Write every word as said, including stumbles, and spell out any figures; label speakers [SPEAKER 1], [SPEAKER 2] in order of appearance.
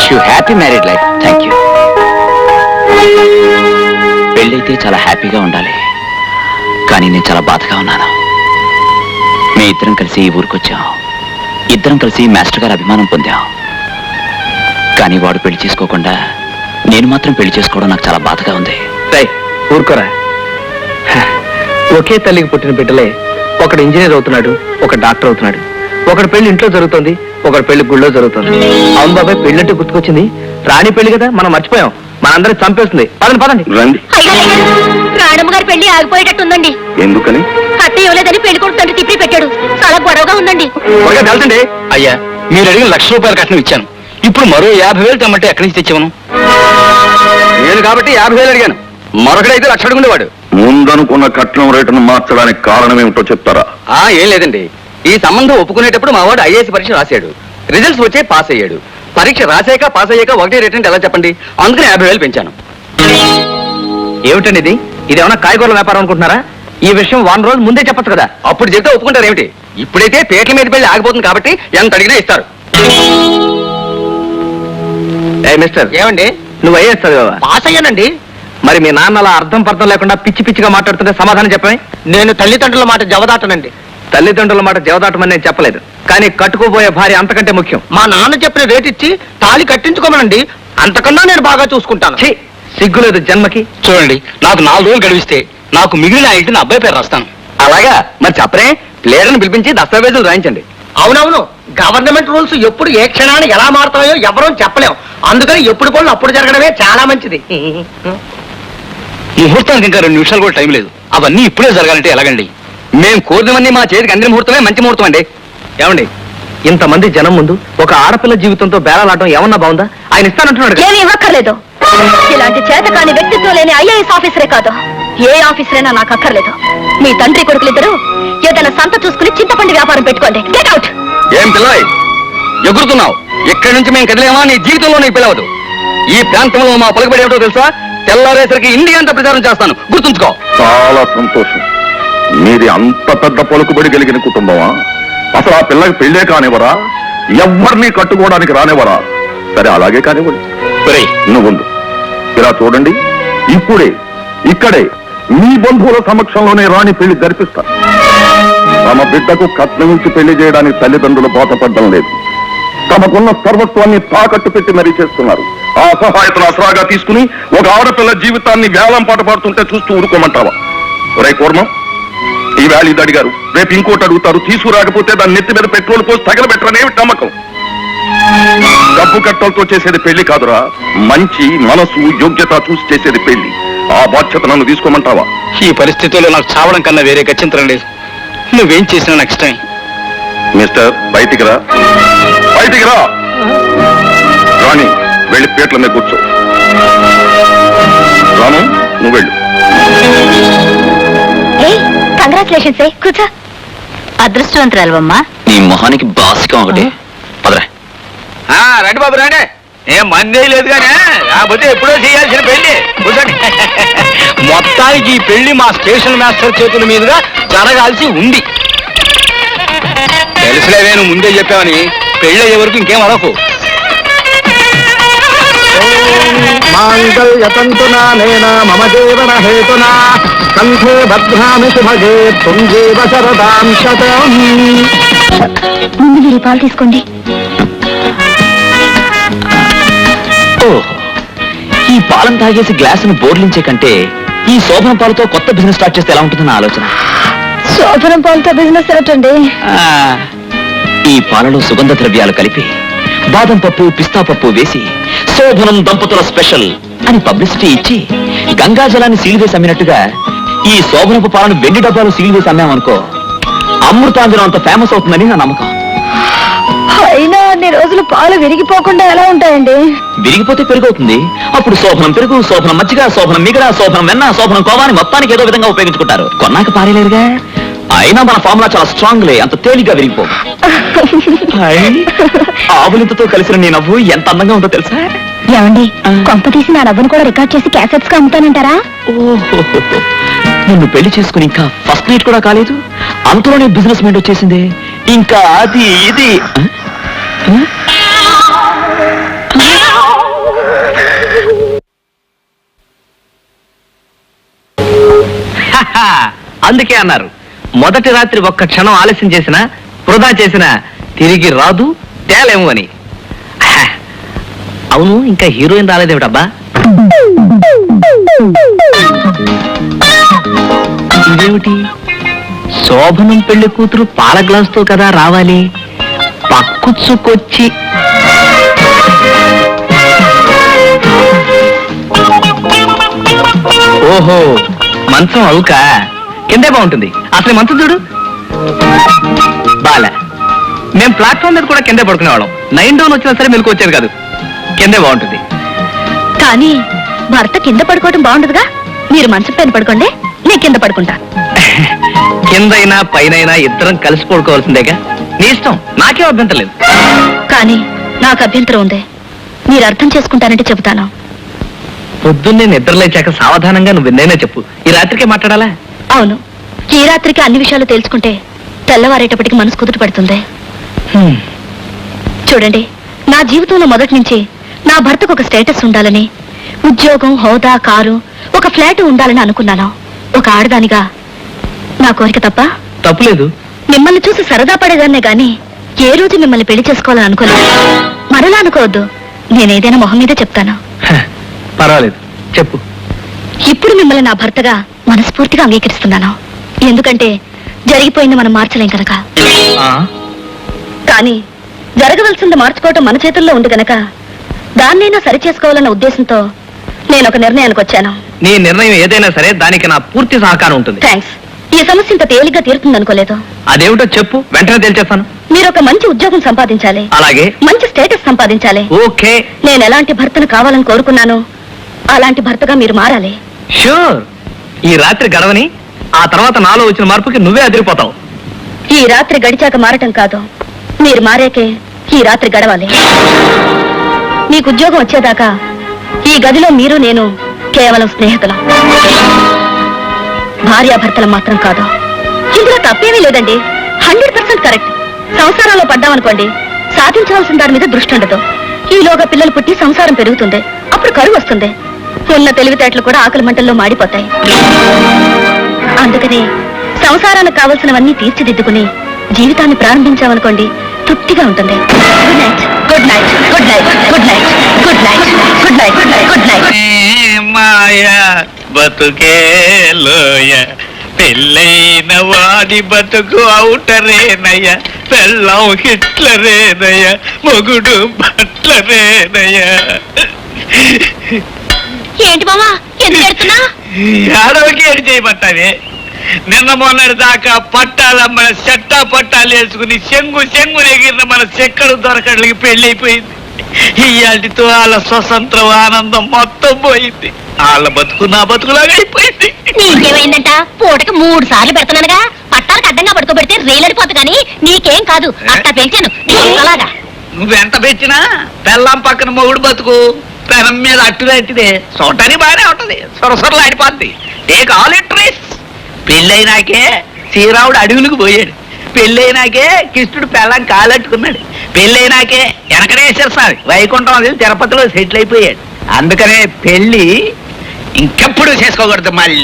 [SPEAKER 1] Wish you happy married life. Thank you. పెళ్ళైతే చాలా హ్యాపీగా ఉండాలి, కానీ నేను చాలా బాధగా ఉన్నాను. మీ ఇద్దరం కలిసి ఈ ఊరికొచ్చాం, ఇద్దరం కలిసి మాస్టర్ గారి అభిమానం పొందాం. కానీ వాడు పెళ్లి చేసుకోకుండా నేను మాత్రం పెళ్లి చేసుకోవడం నాకు చాలా బాధగా ఉంది.
[SPEAKER 2] రై ఊరుకోరా, ఒకే తల్లికి పుట్టిన బిడ్డలే ఒకడు ఇంజనీర్ అవుతున్నాడు, ఒక డాక్టర్ అవుతున్నాడు. ఒకటి పెళ్లి ఇంట్లో జరుగుతుంది, ఒకటి పెళ్లి గుళ్ళో జరుగుతుంది. అవును బాబాయ్, పెళ్ళంటే గుర్తుకొచ్చింది. రాణి పెళ్లి కదా, మనం మర్చిపోయాం. మనందరికి చంపేస్తుంది. పదండి పదండి
[SPEAKER 3] రండి.
[SPEAKER 4] రాణమ్మ గారి పెళ్లి ఆగిపోయేటట్టుందండి.
[SPEAKER 3] ఎందుకని?
[SPEAKER 4] కట్ట ఇవ్వలేదని పెళ్లి కొడుకు తండ్రి తిప్పి పెట్టాడు. చాలా గొడవగా ఉందండి.
[SPEAKER 1] వెళ్తండి. అయ్యా, మీరు అడిగిన లక్ష రూపాయల కట్నం ఇచ్చాను. ఇప్పుడు మరో యాభై వేలు తెమ్మంటే ఎక్కడి నుంచి తెచ్చాను? నేను కాబట్టి యాభై వేలు అడిగాను, మరొకడైతే లక్ష అడుగుండేవాడు.
[SPEAKER 3] ముందనుకున్న కట్నం రేటును మార్చడానికి కారణం ఏమిటో చెప్తారా?
[SPEAKER 1] ఆ ఏం లేదండి, ఈ సంబంధం ఒప్పుకునేటప్పుడు మా వాడు ఐఏఎస్ పరీక్ష రాశాడు, రిజల్ట్స్ వచ్చే పాస్ అయ్యాడు. పరీక్ష రాసాక పాస్ అయ్యాక ఒకటే రేట్ అంటే ఎలా చెప్పండి? అందుకని యాభై వేలు పెంచాను.
[SPEAKER 2] ఏమిటండి ఇది? ఇదేమన్నా కాయగూరల వ్యాపారం అనుకుంటున్నారా? ఈ విషయం వన్ రోజు ముందే చెప్పచ్చు కదా.
[SPEAKER 1] అప్పుడు చెప్తే ఒప్పుకుంటారు ఏమిటి? ఇప్పుడైతే పేట్ల మీద పెళ్లి ఆగిపోతుంది కాబట్టి ఎంత అడిగినా ఇస్తారు.
[SPEAKER 2] ఏ మిస్టర్,
[SPEAKER 1] ఏమండి?
[SPEAKER 2] నువ్వు ఐఏఎస్ చదివావా?
[SPEAKER 1] పాస్ అయ్యానండి.
[SPEAKER 2] మరి మీ నాన్న అలా అర్థం పర్థం లేకుండా పిచ్చి పిచ్చిగా మాట్లాడుతుంటే సమాధానం చెప్పమే.
[SPEAKER 1] నేను తల్లిదండ్రుల మాట జవదాటనండి.
[SPEAKER 2] తల్లిదండ్రుల మాట జవదాటమని నేను చెప్పలేదు, కానీ కట్టుకోబోయే భార్య అంతకంటే ముఖ్యం.
[SPEAKER 1] మా నాన్న చెప్పిన రేట్ ఇచ్చి తాళి కట్టించుకోమనండి, అంతకన్నా నేను బాగా చూసుకుంటాను.
[SPEAKER 2] ఛీ, సిగ్గులేదు జన్మకి.
[SPEAKER 1] చూడండి, నాకు నాలుగు రోజులు గడివిస్తే నాకు మిగిలిన ఆ ఇంటిని అబ్బాయి పేరు రాస్తాను. అలాగా? మరి చెప్పరే, ప్లేయర్ని పిలిపించి దస్తావేజులు రాయించండి. అవునవును, గవర్నమెంట్ రూల్స్ ఎప్పుడు ఏ క్షణాన్ని ఎలా మారుతాయో ఎవరూ చెప్పలేం. అందుకని ఎప్పుడు పనులు అప్పుడు జరగడమే చాలా మంచిది. ముహూర్తానికి ఇంకా రెండు నిమిషాలు కూడా టైం లేదు. అవన్నీ ఇప్పుడే జరగాలంటే ఎలాగండి? మేము కోరినవన్నీ మా చేతికి అందిన ముహూర్తమే మంచి ముహూర్తం అండి.
[SPEAKER 2] ఏమండి, ఇంతమంది జనం ముందు ఒక ఆడపిల్ల జీవితంతో బేరాలాడటం ఏమన్నా బాగుందా? ఆయన ఇస్తానంటున్నాడు.
[SPEAKER 4] ఏమి ఇవ్వక్కర్లేదు. ఇలాంటి చేత కాని వ్యక్తిత్వం లేని ఐఏఎస్ ఆఫీసరే కాదు, ఏ ఆఫీసరైనా నాకు అక్కర్లేదు. మీ తండ్రి కొడుకులిద్దరూ ఏదైనా సంత చూసుకుని చింతపండు వ్యాపారం పెట్టుకోండి. Get out.
[SPEAKER 1] ఏం పిల్లవాయి ఎగురుతున్నావు? ఇక్కడి నుంచి మేము కదిలేమా నీ జీవితంలో నీకు పిలవదు. ఈ ప్రాంతంలో మా పలుకుబడి ఏమిటో తెలుసా? తెల్లారేసరికి ఇండియా అంతా ప్రచారం చేస్తాను, గుర్తుంచుకో.
[SPEAKER 3] చాలా సంతోషం. మీది అంత పెద్ద పలుకుబడి కలిగిన కుటుంబమా? అసలు ఆ పిల్లకి పెళ్ళే కానివ్వరా? ఎవరిని కట్టుకోవడానికి రానివ్వరా? సరే, అలాగే కానివ్వండి. నువ్వు ఇలా చూడండి, ఇప్పుడే ఇక్కడే మీ బంధువుల సమక్షంలోనే రాణి పెళ్లి జరిపిస్తా. తమ బిడ్డకు కట్నం ఇచ్చి పెళ్లి చేయడానికి తల్లిదండ్రులు బాధపడడం లేదు. తమకున్న సర్వస్వాన్ని తాకట్టు పెట్టి మరీ చేస్తున్నారు. ఆ సహాయతను అసరాగా తీసుకుని ఒక ఆడపిల్ల జీవితాన్ని వేలం పాట పాడుతుంటే చూస్తూ ఊరుకోమంటావా? ఒరే కూర్మం, ఈ వేళ ఇది అడిగారు, రేపు ఇంకోటి అడుగుతారు. తీసుకురాకపోతే దాన్ని నెత్తి మీద పెట్రోల్ పోసి తగలబెట్టరనేమి నమ్మకం? డబ్బు కట్టలతో చేసేది పెళ్లి కాదురా, మంచి మనసు యోగ్యత చూసి చేసేది పెళ్లి. ఆ బాధ్యత నన్ను తీసుకోమంటావా?
[SPEAKER 1] ఈ పరిస్థితుల్లో నాకు చావడం కన్నా వేరే గత్యంతరం లేదు. నువ్వేం చేసినా నాకు ఇష్టమే.
[SPEAKER 3] మిస్టర్, బయటికి రా, బయటికి రా. రాణి, వెళ్ళి పేట్ల మీద కూర్చో. రాను, నువ్వు వెళ్ళు.
[SPEAKER 4] కంగ్రాచులేషన్స్. కూర్చో. అదృష్టవంతురాలమ్మా.
[SPEAKER 1] నీ మొహానికి బాసికం ఒకటి. పదరా. రండి బాబు రండి. ఏం మందే లేదు కానీ కాకపోతే ఎప్పుడో చేయాల్సిన పెళ్లి. కూర్చోండి. మొత్తానికి ఈ పెళ్లి మా స్టేషన్ మాస్టర్ చేతుల మీదుగా జరగాల్సి ఉంది. తెలుసులేవే, నువ్వు ముందే చెప్పావని. పెళ్లి అయ్యే వరకు ఇంకేం అడకు.
[SPEAKER 2] మాంగళ్యతంతునా నేనా మమ జీవన హేతునా కంఠే భద్రామి శుభగే తుంజీవ శరదాం శతం.
[SPEAKER 4] ముందు మీరు పాలు తీసుకోండి.
[SPEAKER 1] ఈ పాలం తాగేసి గ్లాసును బోర్లించే కంటే ఈ శోభనం పాలతో కొత్త బిజినెస్ స్టార్ట్ చేస్తే ఎలా ఉంటుందన్న ఆలోచన.
[SPEAKER 4] శోభనం పాలతో బిజినెస్ ఏమిటండి?
[SPEAKER 1] ఈ పాలలో సుగంధ ద్రవ్యాలు కలిపి బాదం పప్పు పిస్తా పప్పు వేసి శోభనం దంపతుల స్పెషల్ అని పబ్లిసిటీ ఇచ్చి గంగాజలాన్ని సీల్ వేసి అమ్మినట్టుగా ఈ శోభనపు పాలను వెండి డబ్బాలు సీల్ వేసి అమ్మామనుకో, అమృతాంజనం అంత ఫేమస్ అవుతుందని నా నమ్మకం.
[SPEAKER 4] అయినా అన్ని రోజులు పాలు విరిగిపోకుండా ఎలా ఉంటాయండి?
[SPEAKER 1] విరిగిపోతే పెరుగవుతుంది. అప్పుడు శోభనం పెరుగు, శోభనం మజ్జిగ, శోభనం మిగడ, శోభనం వెన్న, శోభనం కోవాని మొత్తానికి ఏదో విధంగా ఉపయోగించుకుంటారు. కొన్నాక పారేలేరుగా. అయినా మన ఫార్ములా చాలా స్ట్రాంగ్ లే, అంత తేలిగ్గా విరిగిపో. ఆవులింతతో కలిసిన నీ నవ్వు ఎంత అందంగా ఉందో తెలుసా?
[SPEAKER 4] ఏమండి, కొంప తీసి నా నవ్వును కూడా రికార్డ్ చేసి క్యాసెట్స్ గా అమ్ముతానంటారా?
[SPEAKER 1] ఓహో, నిన్ను పెళ్లి చేసుకుని ఇంకా ఫస్ట్ నైట్ కూడా కాలేదు, అంతలోనే బిజినెస్ మైండ్ వచ్చేసింది. ఇంకా అది ఇది
[SPEAKER 2] అందుకే అన్నారు మొదటి రాత్రి ఒక్క క్షణం ఆలస్యం చేసినా వృధా చేసినా తిరిగి రాదు తేలేము అని. హా, అవును ఇంకా హీరోయిన్ రాలేదేమిటబ్బా? ఇదేమిటి శోభనం పెళ్లి కూతురు పాల గ్లాసుతో కదా రావాలి, పక్కుచ్చుకొచ్చి ఓహో మంచం అవుక కిందే బాగుంటుంది. అసలు ఈ మంచం చూడు బాల, మేం ప్లాట్ఫామ్ మీద కూడా కిందే పడుకునేవాళ్ళం. నైన్ డౌన్ వచ్చినా సరే మెలకు వచ్చేది కాదు. కిందే బాగుంటుంది.
[SPEAKER 4] కానీ భర్త కింద పడుకోవడం బాగుండదుగా. మీరు మంచం పైన పడుకోండి, నేను కింద పడుకుంటా.
[SPEAKER 2] కిందైనా పైనైనా ఇద్దరం కలిసి పడుకోవాల్సిందేగా. నీ ఇష్టం, నాకేం అభ్యంతరం లేదు.
[SPEAKER 4] కానీ నాకు అభ్యంతరం ఉంది. మీరు అర్థం చేసుకుంటానంటే చెబుతాను.
[SPEAKER 2] పొద్దున్నే నిద్రలేచాక సావధానంగా నువ్వు ఎన్నైనా చెప్పు. ఈ రాత్రికే మాట్లాడాలా?
[SPEAKER 4] అవును, ఈ రాత్రికి అన్ని విషయాలు తెలుసుకుంటే తెల్లవారేటప్పటికి మనసు కుదుట పడుతుంది.
[SPEAKER 2] హ్మ్.
[SPEAKER 4] చూడండి, నా జీవితంలో మొదటి నుంచి నా భర్తకు ఒక స్టేటస్ ఉండాలని, ఉద్యోగం, హోదా, కారు, ఒక ఫ్లాట్ ఉండాలని అనుకున్నాను. ఒక ఆడదానిగా నా కోరిక తప్ప
[SPEAKER 2] తప్పులేదు.
[SPEAKER 4] మిమ్మల్ని చూసి సరదా పడేదాన్నే గాని ఏ రోజు మిమ్మల్ని పెళ్లి చేసుకోవాలని అనుకోలేదు. మరలా అనుకోవద్దు, నేనేదైనా మొహం మీదే చెప్తాను.
[SPEAKER 2] హ, పర్వాలేదు చెప్పు.
[SPEAKER 4] ఇప్పుడు మిమ్మల్ని నా భర్తగా మనస్ఫూర్తిగా అంగీకరిస్తున్నాను. ఎందుకంటే జరిగిపోయింది మనం మార్చలేం కనుక.
[SPEAKER 2] ఆ?
[SPEAKER 4] కానీ జరగవలసింది మార్చుకోవటం మన చేతుల్లో ఉంది కనుక దాన్నైనా సరి చేసుకోవాలన్న ఉద్దేశంతో నేను ఒక నిర్ణయానికి వచ్చాను.
[SPEAKER 2] నీ నిర్ణయం ఏదైనా సరే దానికి నా పూర్తి సహకారం ఉంటుంది.
[SPEAKER 4] థ్యాంక్స్. ఈ సమస్య ఇంత తేలిగ్గా తీరుతుంది అనుకోలేదు.
[SPEAKER 2] అదేమిటో చెప్పు, వెంటనే తేల్చేస్తాను.
[SPEAKER 4] మీరు ఒక మంచి ఉద్యోగం సంపాదించాలి,
[SPEAKER 2] అలాగే.
[SPEAKER 4] మంచి స్టేటస్ సంపాదించాలి.
[SPEAKER 2] ఓకే.
[SPEAKER 4] నేను ఎలాంటి భర్తను కావాలని కోరుకున్నాను అలాంటి భర్తగా మీరు మారాలి.
[SPEAKER 2] షూర్. ఈ రాత్రి గడవని, ఆ తర్వాత నాలో వచ్చిన మార్పుకి నువ్వే అదిరిపోతావు.
[SPEAKER 4] ఈ రాత్రి గడిచాక మారటం కాదు, మీరు మారాకే ఈ రాత్రి గడవాలి. మీకు ఉద్యోగం వచ్చేదాకా ఈ గదిలో మీరు నేను కేవలం స్నేహితులం, భార్యాభర్తలం మాత్రం కాదు. ఇందులో తప్పేమీ లేదండి. Hundred percent correct. సంసారంలో పడ్డామనుకోండి, సాధించవలసిన దాని మీద దృష్టి ఉండదు. ఈలోగా పిల్లలు పుట్టి సంసారం పెరుగుతుంది, అప్పుడు కరువు వస్తుంది. ఉన్న తెలివితేటలు కూడా ఆకలి మంటల్లో మాడిపోతాయి. అందుకని సంసారానికి కావలసినవన్నీ తీర్చిదిద్దుకుని జీవితాన్ని ప్రారంభించామనుకోండి, తృప్తిగా ఉంటుంది. Good night, good night, good night, good night, good night, good night, good night.
[SPEAKER 5] మాయా బతుకేలోయ, పెళ్ళైన వాడి బతుకు అవుటరేనయ్య, పెళ్ళం హిట్లరేనయ్య, మొగుడు బట్లరేనయ్య.
[SPEAKER 4] ఏంటి మామా ఎందుకు ఎడుతున్నా?
[SPEAKER 5] ఆడవకి ఏడు చేయబట్టావే. నిన్న మొన్నటి దాకా పట్టాల మన చెట్టా పట్టాలు వేసుకుని చెంగు చెంగు ఎగిరిన మన చెక్కడు దొరకడానికి పెళ్ళైపోయింది. ఇయాటితో వాళ్ళ స్వతంత్రం ఆనందం మొత్తం పోయింది. వాళ్ళ బతుకు నా బతుకులాగా అయిపోయింది.
[SPEAKER 4] నీకేమైందంట? పూటకి మూడు సార్లు పెడుతున్నానుగా. పట్టాలకు అడ్డంగా పడుకోబెడితే రైలడిపోతు కానీ నీకేం కాదు. అట్టా పెంచాను అలాగా.
[SPEAKER 5] నువ్వెంత పెంచినా పెళ్ళం పక్కన మొగుడు బతుకు పెనం మీద అట్టుగా ఎట్టిదే చూడటానికి బాగానే ఉంటది, సొరసొరలు ఆడిపోద్ది. ఏ కావాలి ట్రీస్. పెళ్ళైనాకే శ్రీరాముడు అడవులకు పోయాడు, పెళ్ళైనాకే కృష్ణుడు పెళ్ళం కాలట్టుకున్నాడు, పెళ్ళైనాకే వెనకనేశ్వర స్వామి వైకుంఠం అది తిరుపతిలో సెటిల్ అయిపోయాడు. అందుకనే పెళ్లి ఇంకెప్పుడు చేసుకోకూడదు మళ్ళీ.